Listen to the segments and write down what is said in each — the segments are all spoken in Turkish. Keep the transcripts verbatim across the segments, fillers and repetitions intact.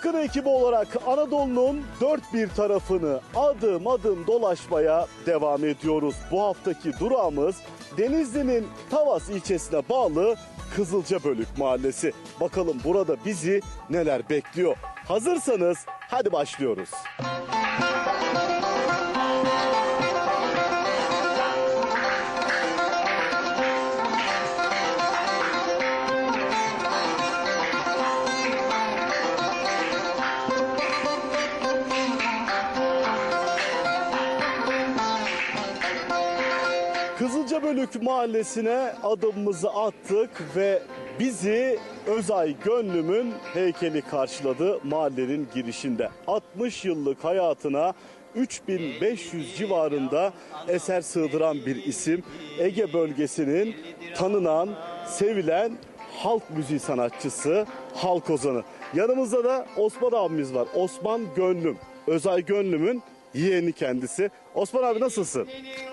Bakın ekibi olarak Anadolu'nun dört bir tarafını adım adım dolaşmaya devam ediyoruz. Bu haftaki durağımız Denizli'nin Tavas ilçesine bağlı Kızılcabölük Mahallesi. Bakalım burada bizi neler bekliyor. Hazırsanız hadi başlıyoruz. Kızılcabölük Mahallesi'ne adımımızı attık ve bizi Özay Gönlüm'ün heykeli karşıladı mahallenin girişinde. altmış yıllık hayatına üç bin beş yüz civarında eser sığdıran bir isim. Ege bölgesinin tanınan, sevilen halk müziği sanatçısı, halk ozanı. Yanımızda da Osman abimiz var. Osman Gönlüm, Özay Gönlüm'ün yeğeni kendisi. Osman abi nasılsın?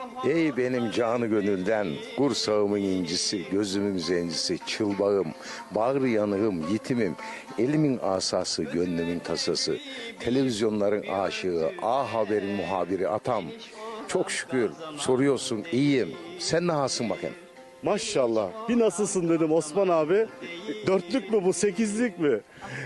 Ey benim canı gönülden, kursağımın incisi, gözümün zencisi, çılbağım, bağrı yanığım, yitimim, elimin asası, gönlümün tasası, televizyonların aşığı, A Haber'in muhabiri atam. Çok şükür soruyorsun, iyiyim. Sen nasılsın bakayım? Maşallah. Bir nasılsın dedim Osman abi. Dörtlük mü bu, sekizlik mi?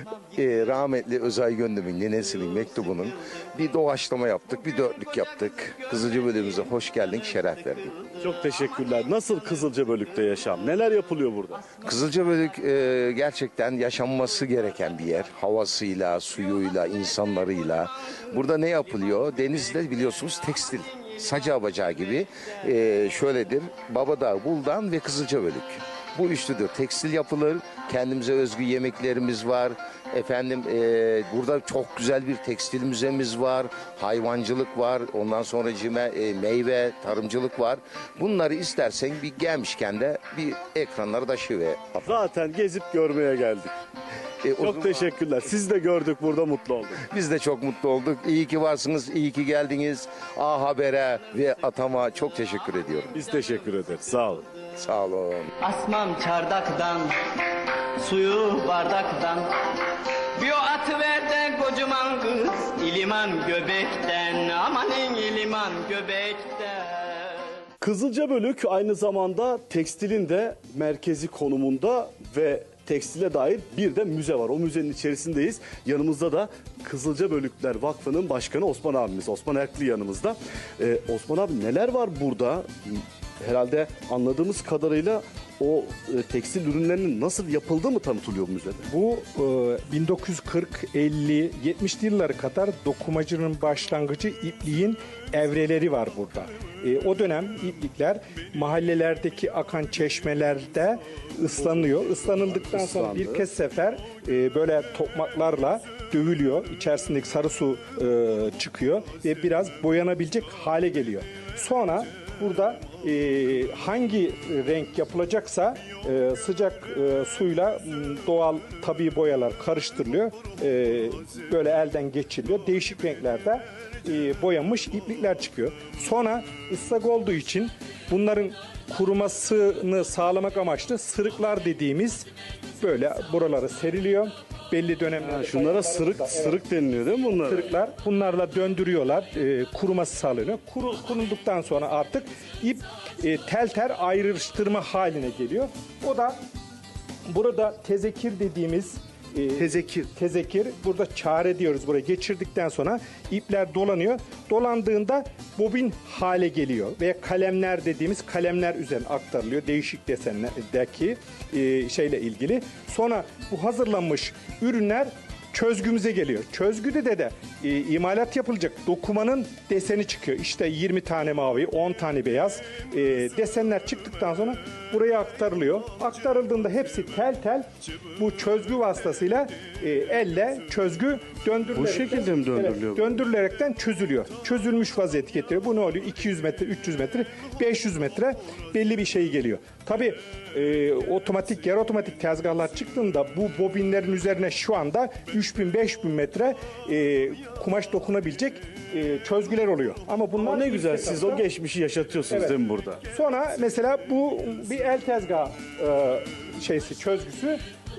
Ee, rahmetli Özay Gönlüm'ün nenesinin mektubunun bir doğaçlama yaptık, bir dörtlük yaptık. Kızılcabölük'ümüze hoş geldin, şeref verdin. Çok teşekkürler. Nasıl Kızılcabölük'te yaşam? Neler yapılıyor burada? Kızılcabölük e, gerçekten yaşanması gereken bir yer. Havasıyla, suyuyla, insanlarıyla. Burada ne yapılıyor? Denizde biliyorsunuz tekstil. Saca bacağı gibi e, şöyledir. Babadağ, Buldan ve Kızılcabölük. Bu üçlüdür. Tekstil yapılır. Kendimize özgü yemeklerimiz var. Efendim e, burada çok güzel bir tekstil müzemiz var. Hayvancılık var. Ondan sonra cime, e, meyve, tarımcılık var. Bunları istersen bir gelmişken de bir ekranları taşıver. Zaten gezip görmeye geldik. E, Çok zaman... teşekkürler. Siz de gördük, burada mutlu olduk. Biz de çok mutlu olduk. İyi ki varsınız, iyi ki geldiniz. A Haber'e ve Atam'a çok teşekkür ediyorum. Biz teşekkür ederiz. Sağ olun. Sağ olun. Asmam çardaktan, suyu bardaktan. Bir o atıver de kocaman kız, İliman göbekten, amanin İliman göbekten. Kızılcabölük aynı zamanda tekstilin de merkezi konumunda ve tekstile dair bir de müze var. O müzenin içerisindeyiz. Yanımızda da Kızılcabölükler Vakfı'nın başkanı Osman abimiz. Osman Erkli yanımızda. Ee, Osman abi neler var burada? Herhalde anladığımız kadarıyla o e, tekstil ürünlerinin nasıl yapıldığı mı tanıtılıyor bu müzede? Bu e, bin dokuz yüz kırk, elli, yetmişli yıllara kadar dokumacının başlangıcı ipliğin evreleri var burada. E, o dönem iplikler mahallelerdeki akan çeşmelerde ıslanıyor. Islanıldıktan sonra Islandı. birkaç sefer e, böyle tokmaklarla dövülüyor. İçerisindeki sarı su e, çıkıyor ve biraz boyanabilecek hale geliyor. Sonra burada e, hangi renk yapılacaksa e, sıcak e, suyla doğal tabii boyalar karıştırılıyor. E, böyle elden geçiriliyor. Değişik renklerde e, boyanmış iplikler çıkıyor. Sonra ıslak olduğu için bunların kurumasını sağlamak amaçlı sırıklar dediğimiz böyle buraları seriliyor. Belli dönemlerde. Şunlara sırık Evet. sırık deniliyor değil mi bunlar? Sırıklar bunlarla döndürüyorlar. E, kuruması sağlanıyor. Kuru, kurulduktan sonra artık ip e, tel tel ayrıştırma haline geliyor. O da burada tezekir dediğimiz e, Tezekir. tezekir. Burada çare diyoruz. Buraya geçirdikten sonra ipler dolanıyor. Dolandığında bobin hale geliyor. Ve kalemler dediğimiz kalemler üzerine aktarılıyor. Değişik desenlerdeki e, şeyle ilgili. Sonra bu hazırlanmış ürünler çözgümüze geliyor. Çözgüde de de e, imalat yapılacak dokumanın deseni çıkıyor. İşte yirmi tane mavi, on tane beyaz e, desenler çıktıktan sonra buraya aktarılıyor. Aktarıldığında hepsi tel tel bu çözgü vasıtasıyla e, elle çözgü döndürülerek. Bu şekilde mi döndürülüyor? Evet, döndürülerekten çözülüyor. Çözülmüş vaziyeti getiriyor. Bu ne oluyor? iki yüz metre, üç yüz metre, beş yüz metre belli bir şey geliyor. Tabii e, otomatik, yarı otomatik tezgahlar çıktığında bu bobinlerin üzerine şu anda üç bin beş bin metre e, kumaş dokunabilecek e, çözgüler oluyor. Ama bunlar Ama ne güzel siz o geçmişi yaşatıyorsunuz Evet. değil mi burada? Sonra mesela bu bir el tezgahı e, şeysi çözgüsü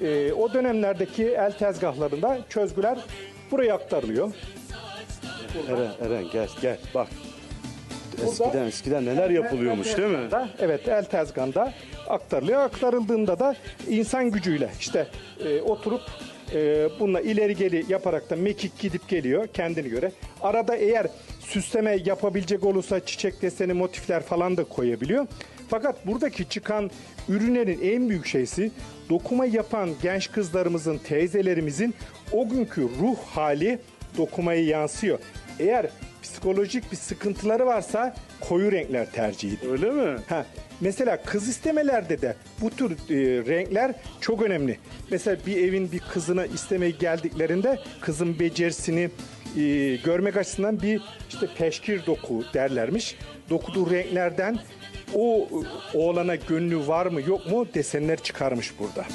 e, o dönemlerdeki el tezgahlarında çözgüler buraya aktarılıyor. Eren, Eren gel gel bak. Burada- Eskiden eskiden neler yapılıyormuş değil mi? Da, evet, el tezgahında aktarılıyor. Aktarıldığında da insan gücüyle işte e, oturup e, bununla ileri geri yaparak da mekik gidip geliyor kendine göre. Arada eğer süsleme yapabilecek olursa çiçek deseni, motifler falan da koyabiliyor. Fakat buradaki çıkan ürünlerin en büyük şeysi dokuma yapan genç kızlarımızın, teyzelerimizin o günkü ruh hali dokumaya yansıyor. Eğer psikolojik bir sıkıntıları varsa koyu renkler tercih ediyor. Öyle mi? Ha, mesela kız istemelerde de bu tür e, renkler çok önemli. Mesela bir evin bir kızına istemeye geldiklerinde kızın becerisini e, görmek açısından bir işte peşkir doku derlermiş. Dokuduğu renklerden o e, oğlana gönlü var mı yok mu desenler çıkarmış burada.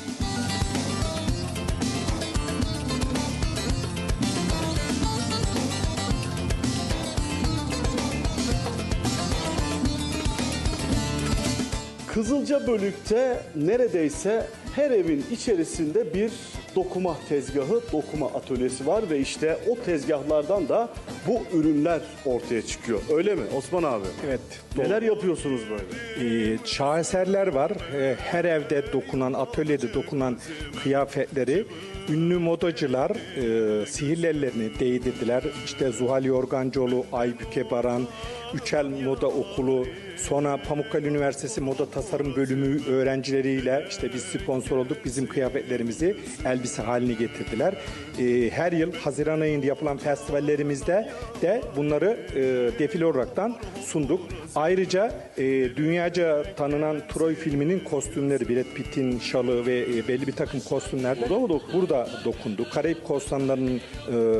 Kızılcabölük'te neredeyse her evin içerisinde bir dokuma tezgahı, dokuma atölyesi var ve işte o tezgahlardan da bu ürünler ortaya çıkıyor. Öyle mi Osman abi? Evet. Neler yapıyorsunuz böyle? Ee, şaheserler var. Ee, her evde dokunan, atölyede dokunan kıyafetleri ünlü modacılar e, sihirli ellerini değdirdiler. İşte Zuhal Yorgancıoğlu, Aybüke Baran, Üçel Moda Okulu, sonra Pamukkale Üniversitesi Moda Tasarım Bölümü öğrencileriyle işte biz sponsor olduk. Bizim kıyafetlerimizi elbise haline getirdiler. Ee, her yıl Haziran ayında yapılan festivallerimizde de bunları e, defile olaraktan sunduk. Ayrıca e, dünyaca tanınan Troy filminin kostümleri, Brad Pitt'in şalı ve e, belli bir takım kostümler de Burada mı dokundu? Burada dokundu. Karayip korsanlarının e,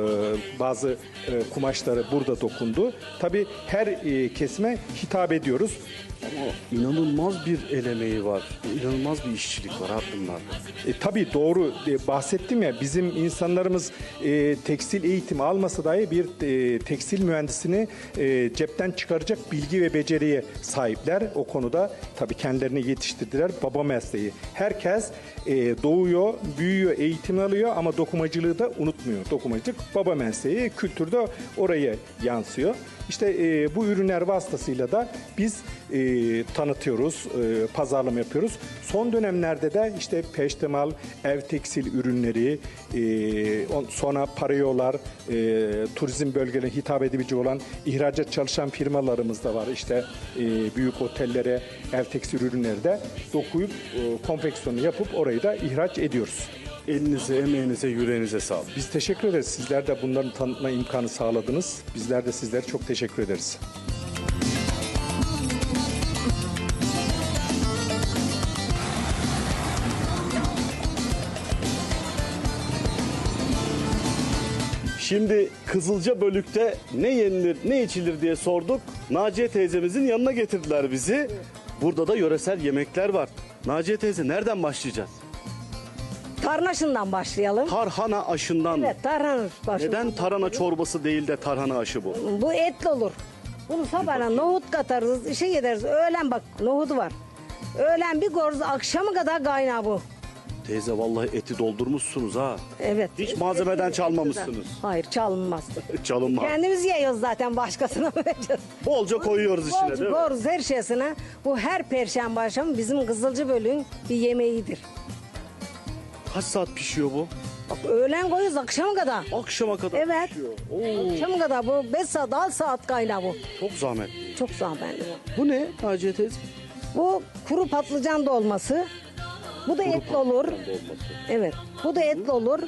bazı e, kumaşları burada dokundu. Tabii her e, kesime hitap ediyoruz. Ama inanılmaz bir el emeği var. İnanılmaz bir işçilik var ha bunlarda. E, tabii doğru e, bahsettim ya, bizim insanlarımız e, tekstil eğitimi almasa dahi bir e, tekstil mühendisini e, cepten çıkaracak bilgi ve beceriye sahipler. O konuda tabii kendilerini yetiştirdiler. Baba mesleği. Herkes e, doğuyor, büyüyor, eğitim alıyor ama dokumacılığı da unutmuyor. Dokumacılık baba mesleği, kültürde oraya yansıyor. İşte e, bu ürünler vasıtasıyla da biz e, tanıtıyoruz, e, pazarlama yapıyoruz. Son dönemlerde de işte peştemal, ev tekstil ürünleri, e, on, sonra parayolar, e, turizm bölgelerine hitap edebilecek olan ihracat çalışan firmalarımız da var. İşte e, büyük otellere ev tekstil ürünleri de dokuyup e, konfeksiyonu yapıp orayı da ihraç ediyoruz. Elinize, emeğinize, yüreğinize sağlık. Biz teşekkür ederiz. Sizler de bunların tanıtma imkanı sağladınız. Bizler de sizlere çok teşekkür ederiz. Şimdi Kızılcabölük'te ne yenilir, ne içilir diye sorduk. Naciye teyzemizin yanına getirdiler bizi. Burada da yöresel yemekler var. Naciye teyze nereden başlayacağız? Tarhanaşından başlayalım. Tarhana aşından mı? Evet, tarhana başlayalım. Neden tarhana çorbası değil de tarhana aşı bu? Bu etli olur. Bunu sabahına nohut katarız, işe gideriz. Öğlen bak nohudu var. Öğlen bir goruz, akşama kadar kaynağı bu. Teyze vallahi eti doldurmuşsunuz ha. Evet. Hiç malzemeden çalmamışsınız. Hayır, çalınmaz. Çalınma. Kendimiz yiyoruz zaten, başkasına vereceğiz. Bolca koyuyoruz içine Bolca değil mi? koyuyoruz her şeysine. Bu her perşembe akşamı bizim Kızılcabölük'ün bir yemeğidir. Kaç saat pişiyor bu? Bak, öğlen koyuyoruz akşama kadar. Akşama kadar Evet. pişiyor. Oo, Akşama kadar bu beş saat, altı saat kaynağı bu. çok zahmet. Çok zahmetli bu. Bu ne Naciye teyze? Bu kuru patlıcan dolması. Bu da etli olur. Evet. Bu da etli olur.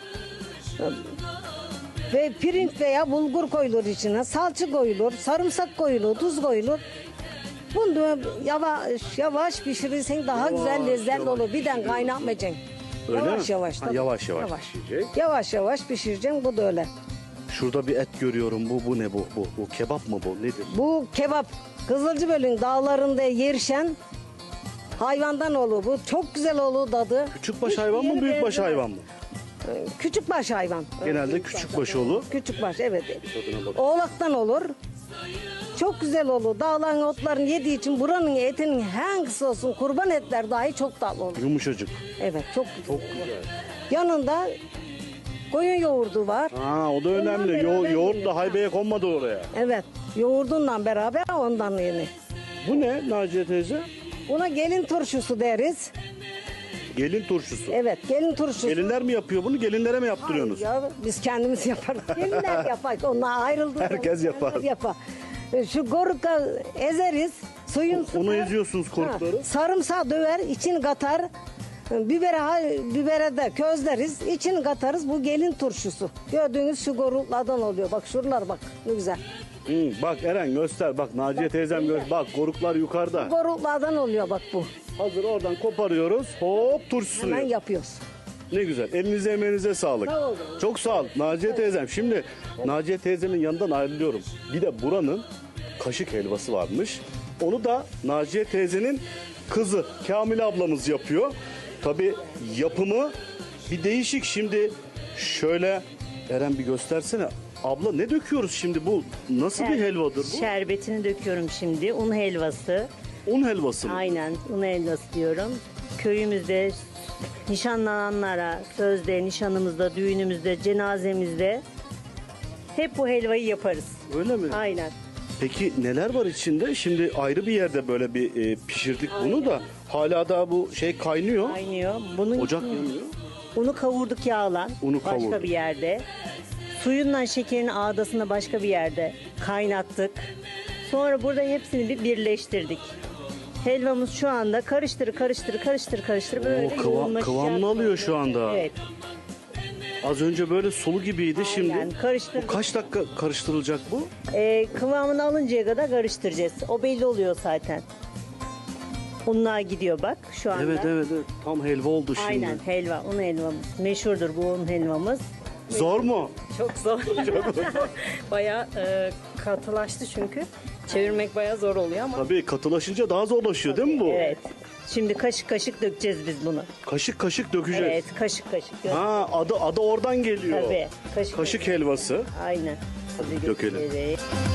Ve pirinç veya bulgur koyulur içine. Salça koyulur, sarımsak koyulur, tuz koyulur. Bunu da yavaş yavaş pişirirsen daha güzel lezzetli olur. Birden kaynatmayacaksın. Öyle yavaş mi? yavaş. Ha, tabii. yavaş yavaş pişecek. Yavaş yavaş pişireceksin. Bu da öyle. Şurada bir et görüyorum. Bu bu ne bu? Bu, bu kebap mı bu? Nedir? Bu kebap Kızılcabölük'ün dağlarında yerişen hayvandan olur. Bu çok güzel olur tadı. Küçükbaş Hiçbir hayvan mı, yeri büyükbaş benzemez. hayvan mı? Küçükbaş hayvan. Genelde küçükbaş olur. Küçükbaş evet. Tadına bak. Oğlaktan olur. Çok güzel olur. Dağların otlarını yediği için buranın etinin hangisi olsun kurban etler dahi çok tatlı olur. Yumuşacık. Evet çok güzel. Çok güzel. Yanında koyun yoğurdu var. Ha, o da önemli. Yo beraber yoğurt yeniyor. da haybeye konmadı oraya. Evet yoğurdunla beraber ondan yeni. Bu ne Naciye teyze? Buna gelin turşusu deriz. Gelin turşusu. Evet gelin turşusu. Gelinler mi yapıyor bunu? Gelinlere mi yaptırıyorsunuz? Ya biz kendimiz yaparız. Gelinler yapar. Onlar ayrıldı. Herkes yapar. yapar. Şu goruka ezeriz. Suyun Onu eziyorsunuz korukları. Ha, sarımsağı döver, içini katar. Bibere, ha- bibere de közleriz, içini katarız. Bu gelin turşusu. Gördüğünüz şu goruklardan oluyor. Bak şuralar bak ne güzel. Hı, bak Eren göster. Bak Naciye teyzem göster. Bak koruklar yukarıda. Goruklardan oluyor bak bu. Hazır oradan koparıyoruz. Hop turşusunu. Hemen yapıyoruz. Ne güzel. Elinize emeğinize sağlık. Sağ olun. Çok sağ ol Naciye teyzem. Şimdi Naciye teyzemin yanından ayrılıyorum. Bir de buranın kaşık helvası varmış. Onu da Naciye teyzenin kızı Kamil ablamız yapıyor. Tabii yapımı bir değişik. Şimdi şöyle Eren bir göstersene. Abla ne döküyoruz şimdi bu? Nasıl bir helvadır bu? Şerbetini döküyorum şimdi. Un helvası. Un helvası mı? Aynen un helvası diyorum. Köyümüzde nişanlananlara, sözde, nişanımızda, düğünümüzde, cenazemizde hep bu helvayı yaparız. Öyle mi? Aynen. Peki neler var içinde? Şimdi ayrı bir yerde böyle bir e, pişirdik bunu da hala da bu şey kaynıyor. Kaynıyor. Bunun Ocak için yanıyor. unu kavurduk yağla. Unu başka kavurduk. bir yerde. Suyundan şekerin ağdasını başka bir yerde kaynattık. Sonra burada hepsini bir birleştirdik. Helvamız şu anda karıştır karıştır karıştır karıştır böyle kıvam- yoğunlaşacak. kıvamlı alıyor şu anda. Evet. Az önce böyle sulu gibiydi şimdi. Aynen, karıştırdık. Bu kaç dakika karıştırılacak bu? Ee, kıvamını alıncaya kadar karıştıracağız. O belli oluyor zaten. Unlar gidiyor bak şu anda. Evet evet evet. Tam helva oldu şimdi. Aynen helva, un helvamız. Meşhurdur bu un helvamız. Zor mu? Çok zor. bayağı e, katılaştı çünkü. Çevirmek bayağı zor oluyor ama. Tabii katılaşınca daha zorlaşıyor değil mi bu? Evet. Şimdi kaşık kaşık dökeceğiz biz bunu. Kaşık kaşık dökeceğiz. Evet, kaşık kaşık. dök- Ha adı adı oradan geliyor. Tabii. Kaşık, Kaşık helvası. Aynen. Tabii Dökelim. götüreceğiz.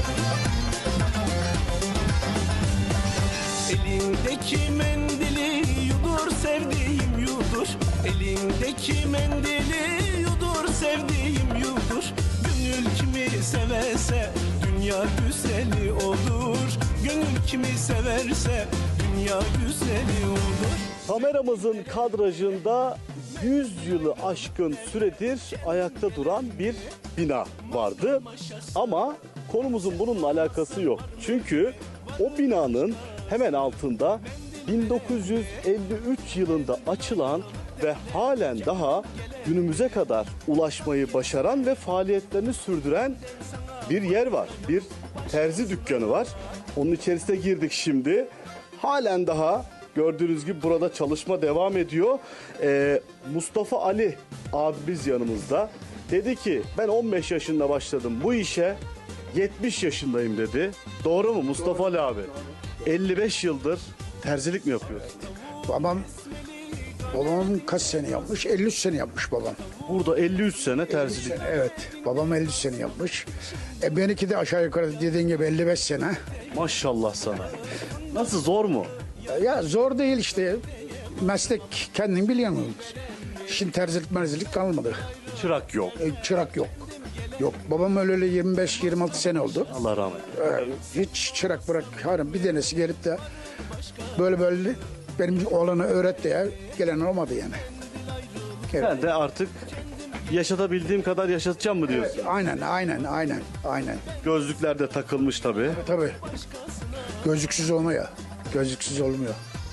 Elindeki mendili yudur sevdiğim yudur. Elindeki mendili yudur sevdiğim yudur. Gönül kimi severse dünya güzeli olur. Gönül kimi severse dünya güzeli olur. Kameramızın kadrajında yüz yılı aşkın süredir ayakta duran bir bina vardı. Ama konumuzun bununla alakası yok. Çünkü o binanın hemen altında bin dokuz yüz elli üç yılında açılan ve halen daha günümüze kadar ulaşmayı başaran ve faaliyetlerini sürdüren bir yer var. Bir terzi dükkanı var. Onun içerisine girdik şimdi. Halen daha gördüğünüz gibi burada çalışma devam ediyor. Ee, Mustafa Ali abimiz yanımızda. Dedi ki ben on beş yaşında başladım bu işe. yetmiş yaşındayım dedi. Doğru mu Mustafa Ali abi? elli beş yıldır terzilik mi yapıyorsun? Babam babam kaç sene yapmış? elli üç sene yapmış babam. Burada elli üç sene terzilik. Evet. Babam elli üç sene yapmış. E benimki de aşağı yukarı dediğin gibi elli beş sene. Maşallah sana. Nasıl zor mu? Ya zor değil işte. Meslek kendin biliyorsun. Şimdi terzilik merzilik kalmadı. Çırak yok. E, çırak yok. Yok. Babam öleli yirmi beş yirmi altı sene oldu. Allah rahmet eylesin. E, hiç çırak bırak. Hayır, bir denesi gelip de böyle böyle benim oğlana öğretti ya. Gelen olmadı yani. Ben de artık yaşatabildiğim kadar yaşatacağım mı diyorsun? Aynen, aynen, aynen, aynen. Gözlükler de takılmış tabii. Tabii. Gözlüksüz olmuyor. Gözlüksüz olmuyor.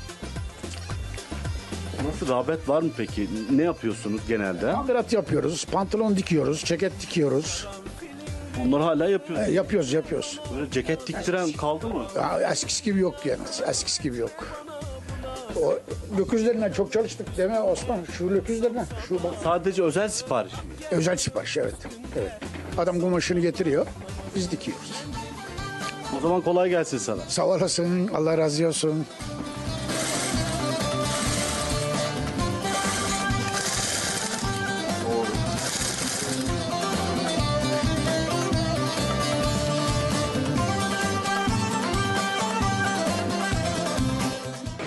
Nasıl rağbet var mı peki? Ne yapıyorsunuz genelde? Amirat yapıyoruz, pantolon dikiyoruz, ceket dikiyoruz. Onları hala E, yapıyorsunuz. yapıyoruz, yapıyoruz. Böyle ceket diktiren kaldı mı? Ya, eskisi gibi yok yani. Eskisi gibi yok. O löküzlerinden çok çalıştık değil mi Osman? Şu löküzlerinden. Şu bak. Sadece özel sipariş mi? Özel sipariş, evet. Evet. Adam kumaşını getiriyor, biz dikiyoruz. O zaman kolay gelsin sana. Sağ olasın, Allah razı olsun.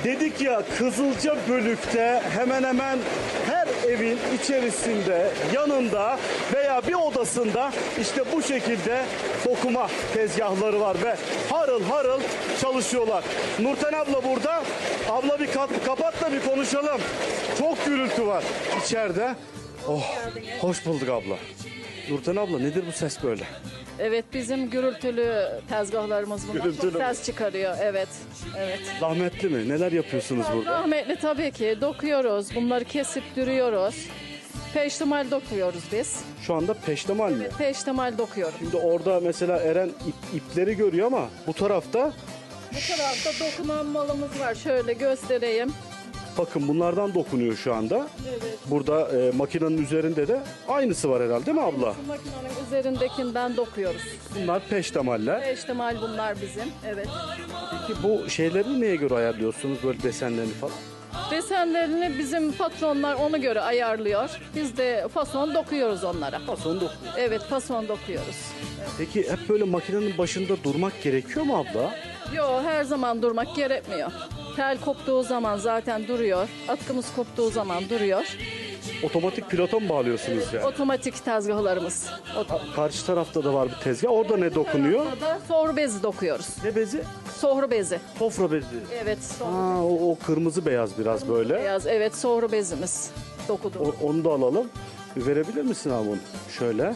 Dedik ya Kızılca Bölük'te hemen hemen her evin içerisinde, yanında veya bir odasında işte bu şekilde dokuma tezgahları var ve harıl harıl çalışıyorlar. Nurten abla burada. Abla bir kat- kapat da bir konuşalım. Çok gürültü var içeride. Oh, hoş bulduk abla. Nurten abla nedir bu ses böyle? Evet, bizim gürültülü tezgahlarımız bunlar. Gürültülü Çok mü? ses çıkarıyor. Evet. Evet. Zahmetli mi? Neler yapıyorsunuz burada? Rahmetli tabii ki dokuyoruz. Bunları kesip dürüyoruz. Peştemal dokuyoruz biz. Şu anda peştemal mi? Peştemal dokuyoruz. Şimdi orada mesela Eren ip- ipleri görüyor ama bu tarafta Bu tarafta dokunan malımız var. Şöyle göstereyim. bakın bunlardan dokunuyor şu anda. Evet. Burada e, makinenin üzerinde de aynısı var herhalde değil mi abla? Bu makinenin üzerindekinden dokuyoruz. Bunlar peştemaller. Peştemal bunlar bizim. Evet. Peki bu şeyleri neye göre ayarlıyorsunuz böyle desenlerini falan? Desenlerini bizim patronlar ona göre ayarlıyor. Biz de fason dokuyoruz onlara. Fason dokuyor. Evet, fason dokuyoruz. Peki hep böyle makinenin başında durmak gerekiyor mu abla? Yo, her zaman durmak gerekmiyor. Tel koptuğu zaman zaten duruyor. Atkımız koptuğu zaman duruyor. Otomatik pilota mı bağlıyorsunuz yani? Otomatik tezgahlarımız. Ot- Karşı tarafta da var bir tezgah. Orada ne dokunuyor? Burada sohru bezi dokuyoruz. Ne bezi? Sohru bezi. Sofra bezi. Evet, sohru Ha, o, o kırmızı beyaz biraz böyle. beyaz. Evet, sohru bezimiz dokudu. O- onu da alalım. Bir verebilir misin abi onu? Şöyle.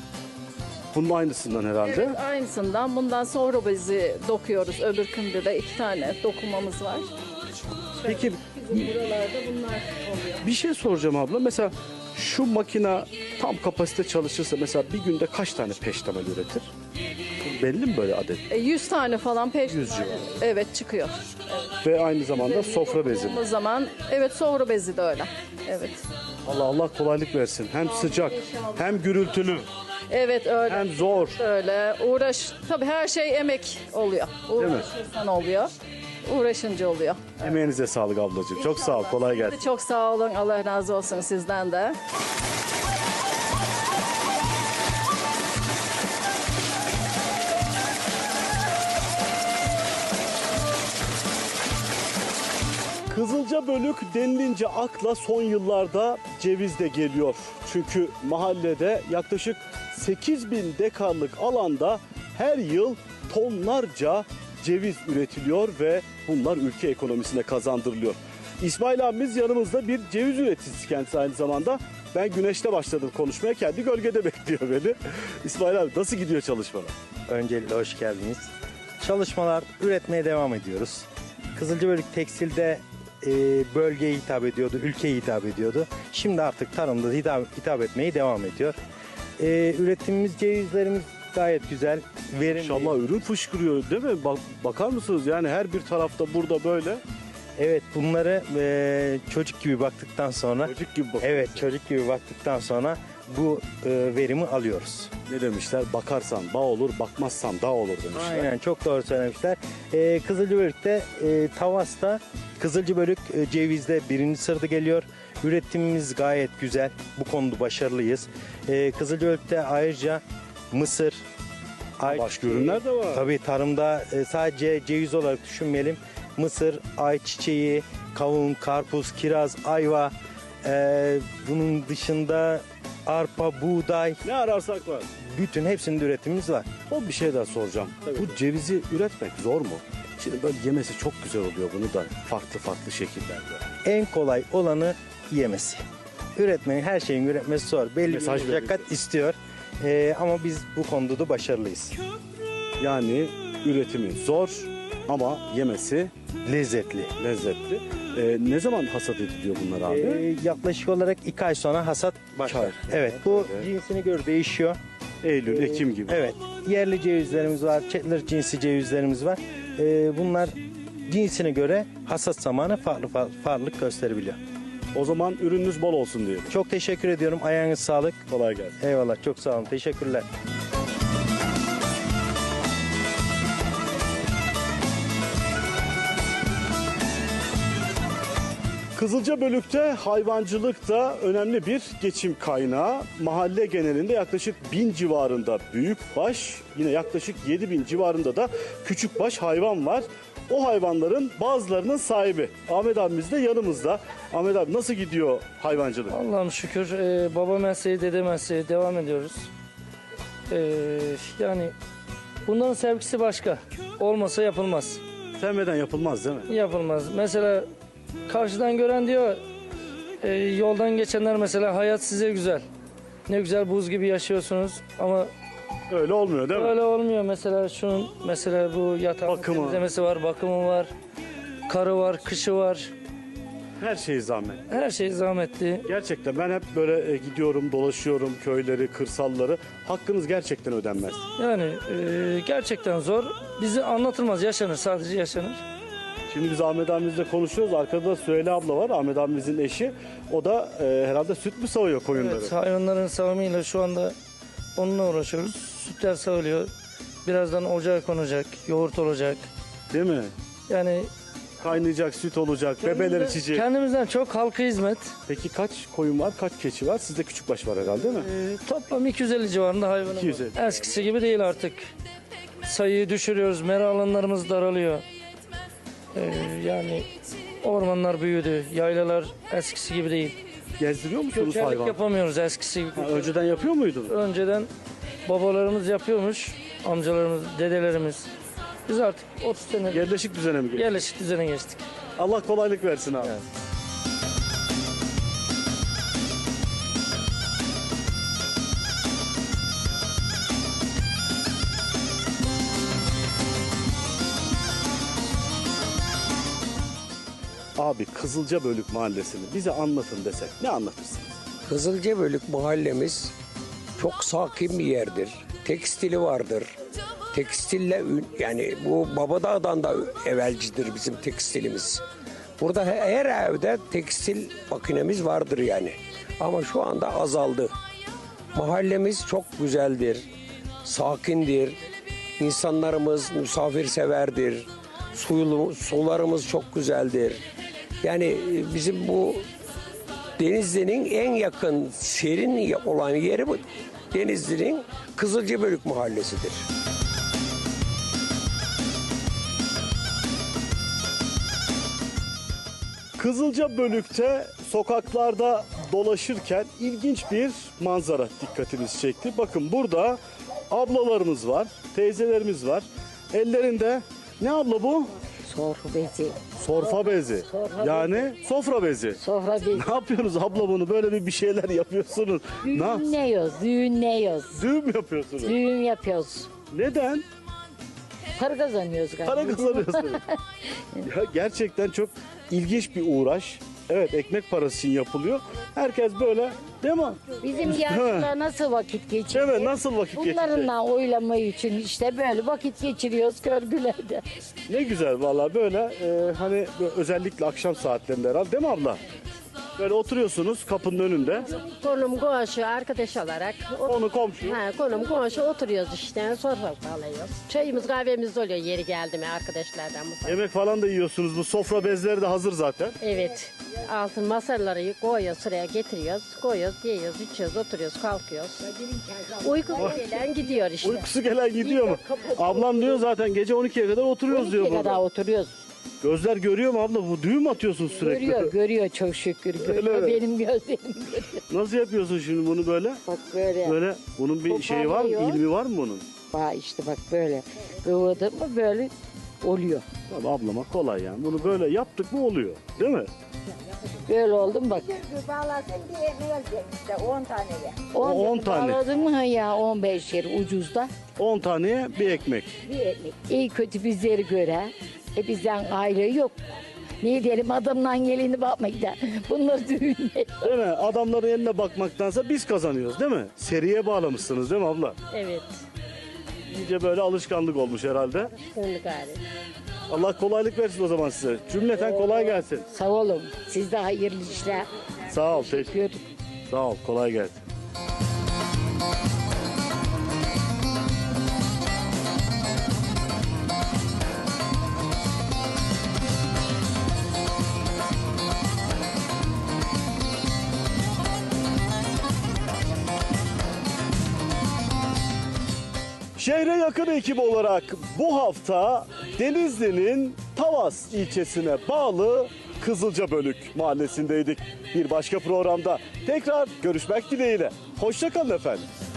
Bunun aynısından herhalde. Evet, aynısından bundan sohru bezi dokuyoruz. Öbürkünde de iki tane dokumamız var. Peki Bizim buralarda bunlar oluyor. bir şey soracağım abla. Mesela şu makina tam kapasite çalışırsa mesela bir günde kaç tane peştemal üretir? Belli mi böyle adet? E, yüz tane falan peş. Yüz civarı. Evet, çıkıyor. Ve aynı zamanda sofra bezi mi? O zaman evet, sohru bezi de öyle. Evet. Allah Allah kolaylık versin. Hem sıcak, hem gürültülü, Evet, öyle. hem zor. Öyle uğraş, tabii her şey emek oluyor. mi? Uğraşırsan oluyor. Uğraşınca oluyor. Emeğinize sağlık ablacığım. Çok sağ ol. Kolay gelsin. Çok sağ olun. Allah razı olsun sizden de. Kızılca Bölük denilince akla son yıllarda ceviz de geliyor. Çünkü mahallede yaklaşık sekiz bin dekarlık alanda her yıl tonlarca ceviz üretiliyor ve bunlar ülke ekonomisine kazandırılıyor. İsmail abimiz yanımızda, bir ceviz üreticisi kendisi aynı zamanda. Ben güneşte başladım konuşmaya, kendi gölgede bekliyor beni. İsmail abi nasıl gidiyor çalışmalar? Öncelikle hoş geldiniz. Çalışmalar, üretmeye devam ediyoruz. Kızılcabölük tekstilde e, bölgeye hitap ediyordu, ülkeye hitap ediyordu. Şimdi artık tarımda hitap, hitap etmeye devam ediyor. E, üretimimiz, cevizlerimiz gayet güzel, verimli. İnşallah ürün fışkırıyor değil mi? Bak, bakar mısınız yani her bir tarafta burada böyle. Evet, bunları e, çocuk gibi baktıktan sonra, Çocuk gibi bak. evet çocuk gibi baktıktan sonra bu e, verimi alıyoruz. Ne demişler? Bakarsan bağ olur, bakmazsan dağ olur demişler. Aynen, çok doğru söylemişler. Ee, Kızılcabölük'te, e, Tavas'ta Kızılcabölük e, cevizde birinci sırada geliyor. Üretimimiz gayet güzel. Bu konuda başarılıyız. Ee, Kızılcabölük'te ayrıca mısır, Başka ürünler de var. Tabii tarımda e, sadece ceviz olarak düşünmeyelim. Mısır, ayçiçeği, kavun, karpuz, kiraz, ayva. e, bunun dışında arpa, buğday, Ne ararsak var. bütün hepsinin üretimimiz var. Son bir şey daha soracağım. Bu cevizi üretmek zor mu? Şimdi böyle yemesi çok güzel oluyor bunu da farklı farklı şekillerde. En kolay olanı yemesi. Üretmenin, her şeyin üretmesi zor. Belli Mesaj bir meşakkat istiyor. Ee, ama biz bu konuda da başarılıyız. Yani üretimi zor ama yemesi Lezzetli. lezzetli. Ee, ne zaman hasat ediliyor bunlar abi? Ee, yaklaşık olarak iki ay sonra hasat başlar. ay. Evet, bu Evet. cinsine göre değişiyor. Eylül, Ekim gibi. Evet, yerli cevizlerimiz var, Chetler cinsi cevizlerimiz var. Ee, bunlar cinsine göre hasat zamanı farklı farklı farklılık gösterebiliyor. O zaman ürününüz bol olsun diyelim. Çok teşekkür ediyorum. Ayağınız sağlık. Kolay gelsin. Eyvallah, çok sağ olun. Teşekkürler. Kızılcabölük'te hayvancılık da önemli bir geçim kaynağı. Mahalle genelinde yaklaşık bin civarında büyükbaş, yine yaklaşık yedi bin civarında da küçükbaş hayvan var. o hayvanların bazılarının sahibi. Ahmet abimiz de yanımızda. Ahmet abi nasıl gidiyor hayvancılık? Allah'ım şükür e, baba mesleği, dede mesleği devam ediyoruz. E, yani bunların sevgisi başka. Olmasa yapılmaz. Sevmeden yapılmaz değil mi? Yapılmaz. Mesela karşıdan gören diyor, e, yoldan geçenler mesela hayat size güzel. Ne güzel buz gibi yaşıyorsunuz ama Öyle olmuyor değil mi? öyle olmuyor. Mesela şunun mesela bu yatağın Bakımı. temizlemesi var, bakımı var, karı var, kışı var. Her şey zahmet. Her şey zahmetli. Gerçekten ben hep böyle e, gidiyorum, dolaşıyorum köyleri, kırsalları. Hakkınız gerçekten ödenmez. Yani e, gerçekten zor. Bizi anlatılmaz, yaşanır, sadece yaşanır. Şimdi biz Ahmet abimizle konuşuyoruz. Arkada Süheyla abla var, Ahmet abimizin eşi. O da e, herhalde süt mü sağıyor koyunları? Evet, hayvanların sağımıyla şu anda onunla uğraşıyoruz. Sütler sağılıyor. Birazdan ocağa konacak, yoğurt olacak. Değil mi? Yani Kaynayacak, süt olacak, bebeler kendimizden- içecek. Kendimizden çok halka hizmet. Peki kaç koyun var, kaç keçi var? Sizde küçükbaş var herhalde değil mi? E, toplam iki yüz elli civarında hayvanım iki yüz elli. var. Eskisi gibi değil artık. Sayıyı düşürüyoruz, mera alanlarımız daralıyor. E, yani ormanlar büyüdü, yaylalar eskisi gibi değil. Gezdiriyor musunuz Göçerlik hayvan? yapamıyoruz eskisi gibi. Ha, önceden yapıyor muydun? Önceden babalarımız yapıyormuş, amcalarımız, dedelerimiz. Biz artık otuz sene Yerleşik düzene mi geçti? yerleşik düzene geçtik. Allah kolaylık versin abi. Evet. Abi Kızılcabölük Mahallesi'ni bize anlatın desek ne anlatırsınız? Kızılcabölük mahallemiz çok sakin bir yerdir. Tekstili vardır. Tekstille ün- yani bu Babadağ'dan da evvelcidir bizim tekstilimiz. Burada he- her evde tekstil makinemiz vardır yani. Ama şu anda azaldı. Mahallemiz çok güzeldir. Sakindir. İnsanlarımız misafirseverdir. Suyulu, sularımız çok güzeldir. Yani e, bizim bu Denizli'nin en yakın serin olan yeri bu. Denizli'nin Kızılcabölük mahallesidir. Kızılcabölük'te sokaklarda dolaşırken ilginç bir manzara dikkatimizi çekti. Bakın burada ablalarımız var, teyzelerimiz var. Ellerinde ne abla bu? Sofra bezi. Sorfa bezi. Sofra Yani sofra bezi. Sofra bezi. Ne yapıyorsunuz abla bunu? Böyle bir bir şeyler yapıyorsunuz. Ne yap- Düğünleyiyoruz, düğünleyiyoruz. Düğün mü yapıyorsunuz? Düğün yapıyoruz. Neden? Para kazanıyoruz galiba. Para kazanıyorsunuz. Ya gerçekten çok ilginç bir uğraş. Evet, ekmek parası için yapılıyor. Herkes böyle, değil mi? Bizim yaşlılar nasıl vakit geçiriyor? Evet, nasıl vakit geçirecek? Bunlarınla oylamayı için işte böyle vakit geçiriyoruz körgülerde. Ne güzel vallahi böyle e, hani böyle özellikle akşam saatlerinde herhalde, değil mi abla? Böyle oturuyorsunuz kapının önünde. Konum komşu arkadaş olarak. Konu komşu. Ha, konum komşu oturuyoruz işte sofra alıyoruz. Çayımız kahvemiz oluyor yeri geldi mi arkadaşlardan mı? Yemek falan da yiyorsunuz. Bu sofra bezleri de hazır zaten. Evet. Altın masaları koyuyoruz sıraya getiriyoruz. Koyuyoruz, yiyoruz, içiyoruz, oturuyoruz, kalkıyoruz. Uyku gelen gidiyor işte. Uykusu gelen gidiyor mu? Ablam diyor zaten gece on ikiye kadar oturuyoruz diyor on ikiye burada. kadar oturuyoruz. Gözler görüyor mu abla? Bu düğün mü atıyorsun sürekli? Görüyor, görüyor çok şükür. Görüyor, mi? benim gözlerim görüyor. Nasıl yapıyorsun şimdi bunu böyle? Bak böyle. Böyle bunun bir şeyi var mı? Toparlıyor. İlmi var mı bunun? Bak işte bak böyle. Kıvırdı mı böyle oluyor. Tabii ablama kolay yani. Bunu böyle yaptık mı oluyor. Değil mi? Böyle oldu mu bak. Bağlasın diye ne gelecek işte on taneye. O on tane. Bağladın mı ha ya on beş yer ucuzda. on taneye bir ekmek. Bir ekmek. İyi kötü bizleri göre. E bizden aile yok. Ne diyelim adamdan gelini bakmayın da. Bunlar düğünler. Değil mi? Adamların eline bakmaktansa biz kazanıyoruz değil mi? Seriye bağlamışsınız değil mi abla? Evet. İyice böyle alışkanlık olmuş herhalde. Gönlü gari. Allah kolaylık versin o zaman size. Cümleten kolay gelsin. Sağ olun. Siz de hayırlı işler. Sağ ol. Teşekkür. Teşekkür. Sağ ol. Kolay gelsin. Şehre yakın ekip olarak bu hafta Denizli'nin Tavas ilçesine bağlı Kızılcabölük mahallesindeydik. Bir başka programda tekrar görüşmek dileğiyle. Hoşça kalın efendim.